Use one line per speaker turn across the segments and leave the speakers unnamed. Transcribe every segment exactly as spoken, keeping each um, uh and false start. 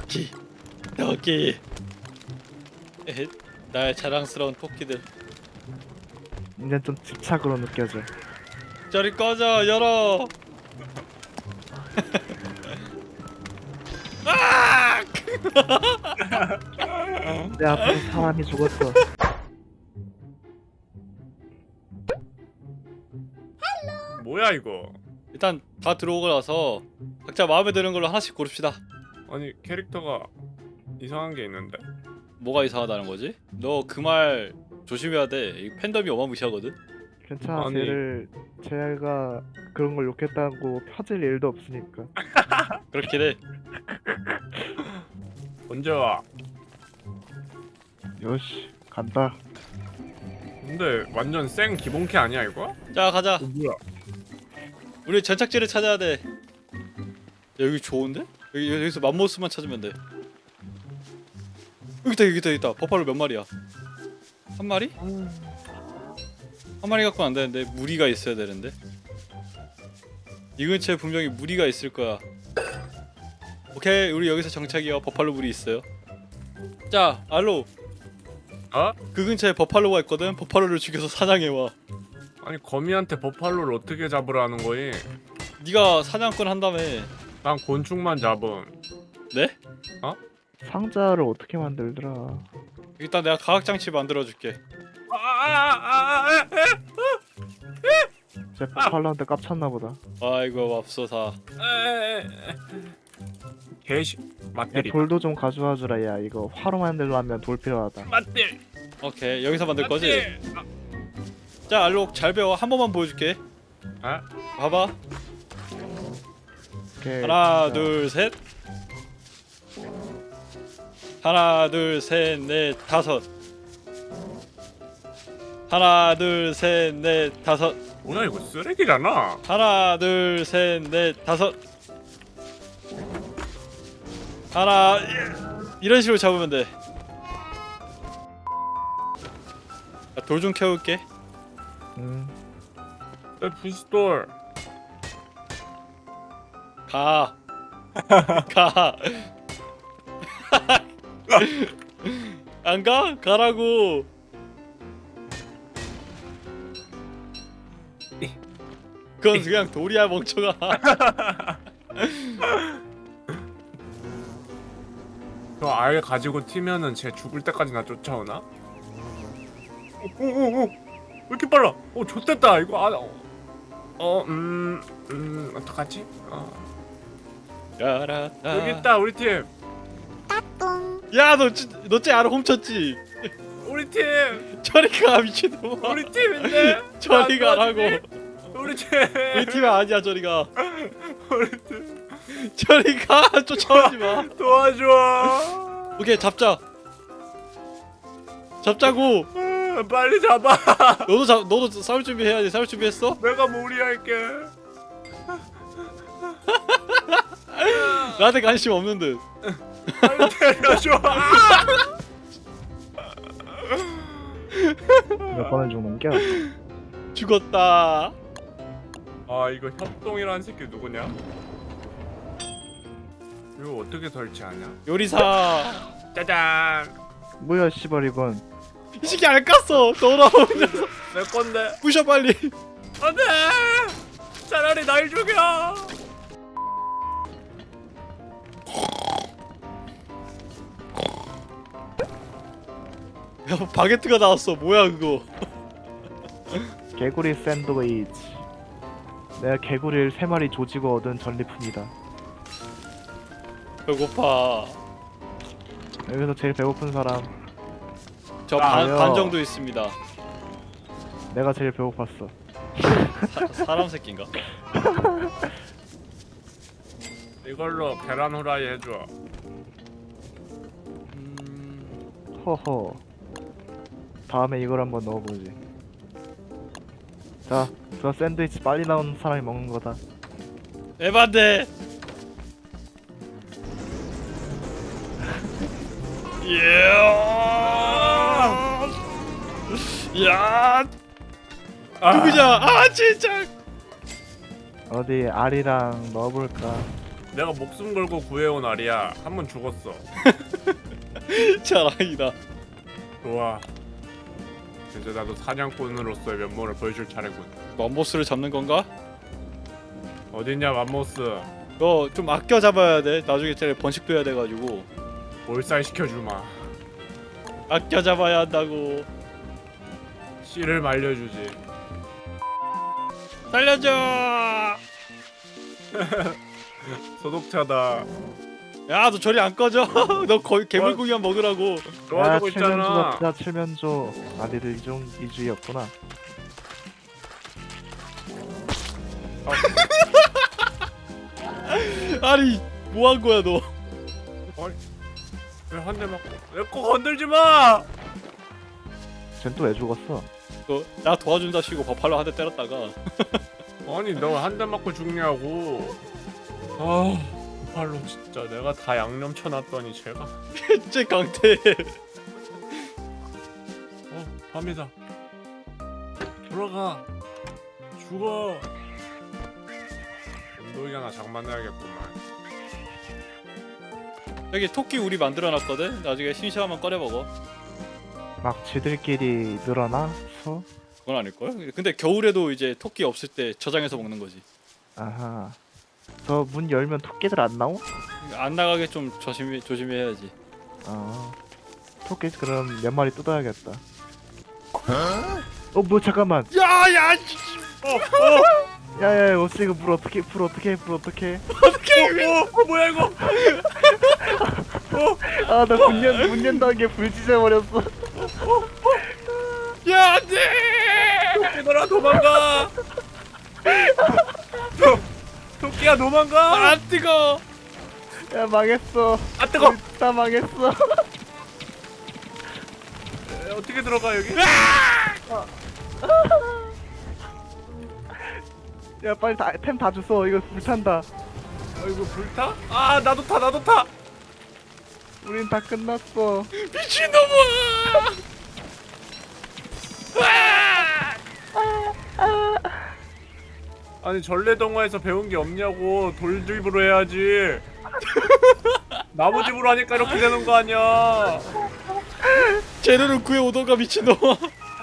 토끼 토끼 에헤, 나의 자랑스러운 토끼들.
이제 좀 집착으로 느껴져.
저리 꺼져. 열어. 아!
내 앞에 사람이 죽었어.
뭐야 이거?
일단 다 들어오고 나서 각자 마음에 드는 걸로 하나씩 고릅시다.
아니 캐릭터가 이상한 게 있는데.
뭐가 이상하다는 거지? 너 그 말 조심해야 돼. 이 팬덤이 어마무시하거든.
괜찮아.
아니.
쟤를 쟤가 그런 걸 욕했다고 펴질 일도 없으니까.
그렇긴 해.
언제 와?
요시 간다.
근데 완전 생 기본캐 아니야 이거?
자 가자.
어, 뭐야?
우리 전착지를 찾아야 돼. 야, 여기 좋은데? 여기 여기서 맘모스만 찾으면 돼. 여기 있다 여기 있다 여기 있다. 버팔로 몇 마리야? 한 마리? 한 마리 갖고는 안 되는데 무리가 있어야 되는데. 이 근처에 분명히 무리가 있을 거야. 오케이, 우리 여기서 정착이요. 버팔로 무리 있어요. 자, 알로.
어?
그 근처에 버팔로가 있거든. 버팔로를 죽여서 사냥해 와.
아니 거미한테 버팔로를 어떻게 잡으라는 거임?
네가 사냥꾼 한다며.
난 곤충만 잡음.
네?
상자를 어떻게 만들더라?
일단 내가 과학 장치 만들어 줄게.
아아아아
쟤 버팔로한테 깝쳤나 보다.
아이고 맙소사.
개시
야,
맞들이.
돌도 좀 가져와 주라. 야, 이거 화로 만들려면 돌 필요하다.
맞들.
오케이, 여기서 만들 거지? 자, 알록 잘 배워. 한 번만 보여줄게.
아?
봐봐.
오케이.
하나,
자,
둘, 셋. 하나, 둘, 셋, 넷, 다섯. 하나, 둘, 셋, 넷, 다섯.
뭐야 이거 쓰레기잖아.
하나, 둘, 셋, 넷, 다섯. 하나, 이런 식으로 잡으면 돼. 돌 좀 캐올게.
음.
내 부스돌.
가. 가. 안 가? 가라고. 그건 그냥 돌이야 멍청아.
저 알 가지고 튀면은 쟤 죽을 때까지 나 쫓아오나? 오오오 왜 이렇게 빨라? 어 좋댔다 이거. 아, 어, 음, 음, 어떡하지? 어.
야라따.
여기 있다 우리 팀.
야, 너, 너쟤 알아 훔쳤지?
우리 팀.
저리 가 미친놈아.
우리 팀인데.
저리
나
가라고.
우리 팀.
우리 팀이 아니야. 저리 가.
우리 팀.
저리 가. 쫓아오지 마.
도와줘.
오케이, 잡자. 잡자고.
아, 빨리 잡아.
너도 잡, 너도 싸울 준비해야지. 싸울 준비했어?
내가 무리할게.
나한테 관심 없는 듯.
빨리 때려줘.
몇 번을 죽는겨?
죽었다.
아 이거 협동이라는 새끼 누구냐? 이거 어떻게 설치하냐?
요리사.
짜잔.
뭐야, 씨발 이건.
이 새끼 알 깠어. 돌아오는 녀석.
내 건데.
부셔 빨리.
안돼. 차라리 날 죽여.
야, 바게트가 나왔어. 뭐야 그거?
개구리 샌드위치. 내가 개구리를 세 마리 조지고 얻은 전리품이다.
배고파.
여기서 제일 배고픈 사람.
저 반
아요.
반 정도 있습니다.
내가 제일 배고팠어.
사, 사람 새끼인가?
이걸로 계란 후라이 해줘.
음...
허허. 다음에 이걸 한번 넣어보지. 자, 저 샌드위치 빨리 나오는 사람이 먹는 거다.
에반데. 예. 야. 누구냐? 아 진짜.
어디 알이랑 넣어볼까?
내가 목숨 걸고 구해온 알이야. 한 번 죽었어.
자랑이다.
좋아. 이제 나도 사냥꾼으로서의 면모를 보여줄 차례군.
맘보스를 잡는 건가?
어딨냐 맘모스.
너 좀 아껴 잡아야 돼. 나중에 쟤네 번식도 해야 돼가지고
몰살 시켜주마.
아껴 잡아야 한다고.
씨를 말려주지.
살려줘.
소독차다.
야, 너 저리 안 꺼져. 너 거의 괴물고기만 먹으라고.
도와주고
칠면조
있잖아.
먹자 칠면조. 아 니들 이중 이주였구나.
아니, 뭐 한 거야 너?
왜 한 대 맞고? 내 거 건들지 마.
쟨 또 왜 죽었어?
너 나 도와준다 시고 버팔로 한 대 때렸다가
아니 너 한 대 맞고 죽냐고. 아, 발로 진짜 내가 다 양념 쳐놨더니 제가.
쟤 강태.
어, 밤이다. 돌아가. 죽어. 운동이나 장만해야겠구만.
여기 토끼 우리 만들어놨거든. 나중에 심심하면 꺼내 먹어.
막 지들끼리 늘어나? 수?
그건 아닐걸? 근데 겨울에도 이제 토끼 없을 때 저장해서 먹는 거지.
아하. 저 문 열면 토끼들 안 나오?
안 나가게 좀 조심히 조심히 해야지.
아. 토끼 그럼 몇 마리 뜯어야겠다. 어, 뭐 잠깐만.
야야.
어, 어,
야야, 어찌 이거 물 어떻게 불 어떻게 불 어떻게?
어, 어, 뭐야 이거?
아, 나 문 연, 문 연다는 게 불 지져버렸어.
야, 안돼.
얘들아 도망가. 도, 토끼야 도망가.
안 뜨거.
야, 망했어.
아 뜨거.
다 망했어.
에, 어떻게 들어가 여기?
야, 빨리 다, 템 다 주워. 이거 불탄다.
어, 이거 불타? 아 나도 타 나도 타.
우린 다 끝났어.
미친놈아.
아니 전래동화에서 배운 게 없냐고. 돌집으로 해야지. 나무집으로 하니까 이렇게 되는 거 아니야.
재료를 구해 오던가 미친놈아.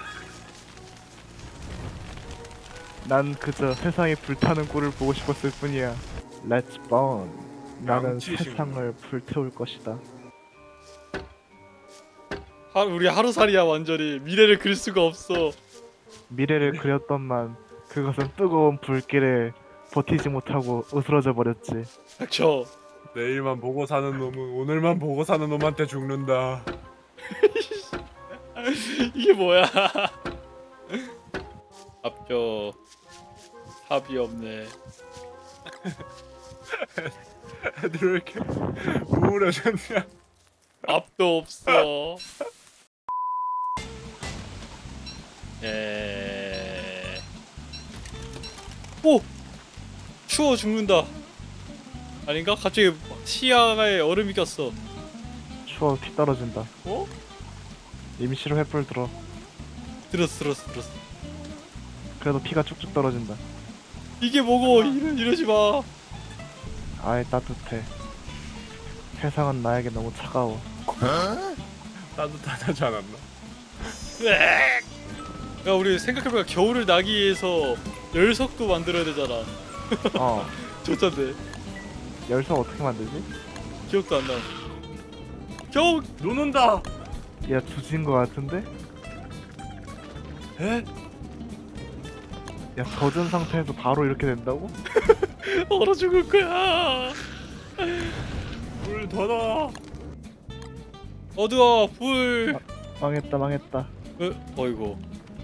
난 그저 세상이 불타는 꼴을 보고 싶었을 뿐이야. Let's burn. 나는
양치신
세상을 불태울 것이다.
하, 우리 하루살이야 완전히. 미래를 그릴 수가 없어.
미래를 그렸던만 그것은 뜨거운 불길에 버티지 못하고 으스러져 버렸지.
닥쳐.
내일만 보고 사는 놈은 오늘만 보고 사는 놈한테 죽는다.
이게 뭐야? 앞저 합이 없네.
애들 왜 이렇게 우울해졌냐?
앞도 없어. 에. 오! 추워 죽는다. 아닌가? 갑자기 시야에 얼음이 꼈어.
추워 피 떨어진다.
어?
임시로 횃불 들어.
들었어 들었어 들었어.
그래도 피가 쭉쭉 떨어진다.
이게 뭐고? 이러, 이러지 마.
아이 따뜻해. 세상은 나에게 너무 차가워.
따뜻하지 않았나?
으악! 야 우리 생각해보니까 겨울을 나기 위해서 열석도 만들어야 되잖아.
어.
좋던데.
열쇠 어떻게 만들지?
기억도 안 나. 겨우
눈 온다.
야, 두진 거 같은데?
에?
야, 젖은 상태에서 바로 이렇게 된다고?
얼어 죽을 거야.
불 더 넣어.
어두워 불.
망했다, 망했다.
어, 어이구.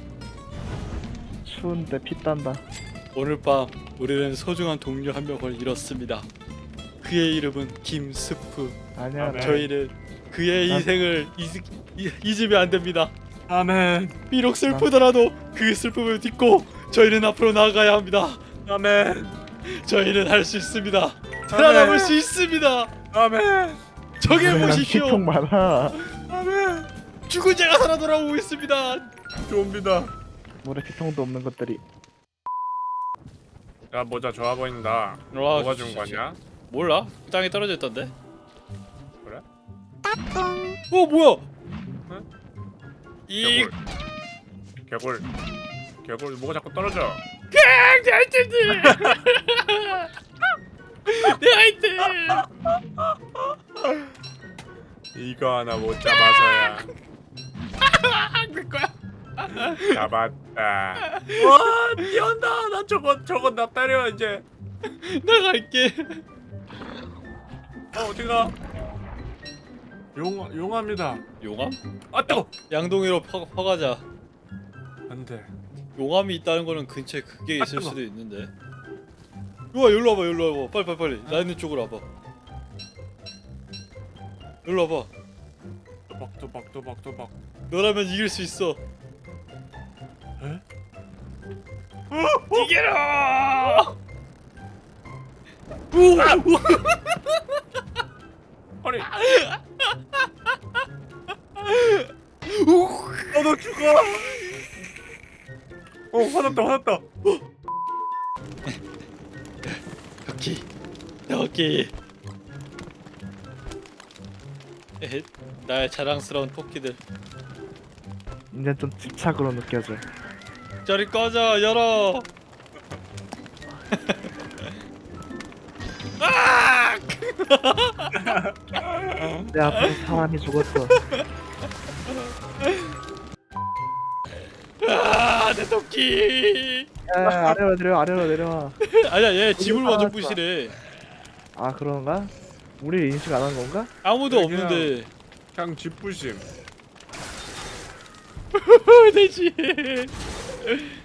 추운데 피 딴다.
오늘 밤 우리는 소중한 동료 한 명을 잃었습니다. 그의 이름은 김스프.
아니야,
아멘.
저희는 그의
난-
인생을 잊, 잊, 잊으면 안 됩니다.
아멘.
비록 슬프더라도 그 슬픔을 딛고 저희는 앞으로 나아가야 합니다.
아멘.
저희는 할 수 있습니다. 살아남을 수 있습니다.
아멘.
저길
난
보십시오.
피통 많아.
아멘.
죽은 자가 살아 돌아오고 있습니다.
좀비다.
물에 피통도 없는 것들이.
야 모자 좋아 보인다.
와,
뭐가 준
진짜.
거냐?
몰라? 땅에 떨어져 있던데?
그래?
어 뭐야?
응?
이
개굴. 개굴. 개굴 뭐가 자꾸 떨어져?
내 아이템들! 내 아이템!
이거 하나 못 잡아서야.
내 거야.
잡았다. 와 뛰어온다. 나 저거 저거 나 때려 이제.
나 갈게.
어 어디가? 용 용합니다.
용암?
아 뜨거.
양동이로 퍼, 퍼가자.
안돼.
용암이 있다는 거는 근처에 그게
아,
있을
뜨거.
수도 있는데. 우와 여기로 와봐 여기로 와봐 빨리 빨리 빨리 나 있는 쪽으로 와봐. 여기로 와봐.
또박 또박 또박 또박.
너라면 이길 수 있어.
에?
이겨라!
아니. 어너 죽어. 어 화났다 화났다.
토끼 토끼 에헤 나의 자랑스러운 토끼들
이제 좀 집착으로 느껴져.
저리 꺼져 열어.
내 앞에 사람이 죽었어.
아내 토끼.
야, 아래로 내려, 아래로 내려와.
아니야 얘 집을 먼저
살았어.
부시래.
아 그런가? 우리 인식 안 한 건가?
아무도
그냥-
없는데.
그냥 집부심.
내 집.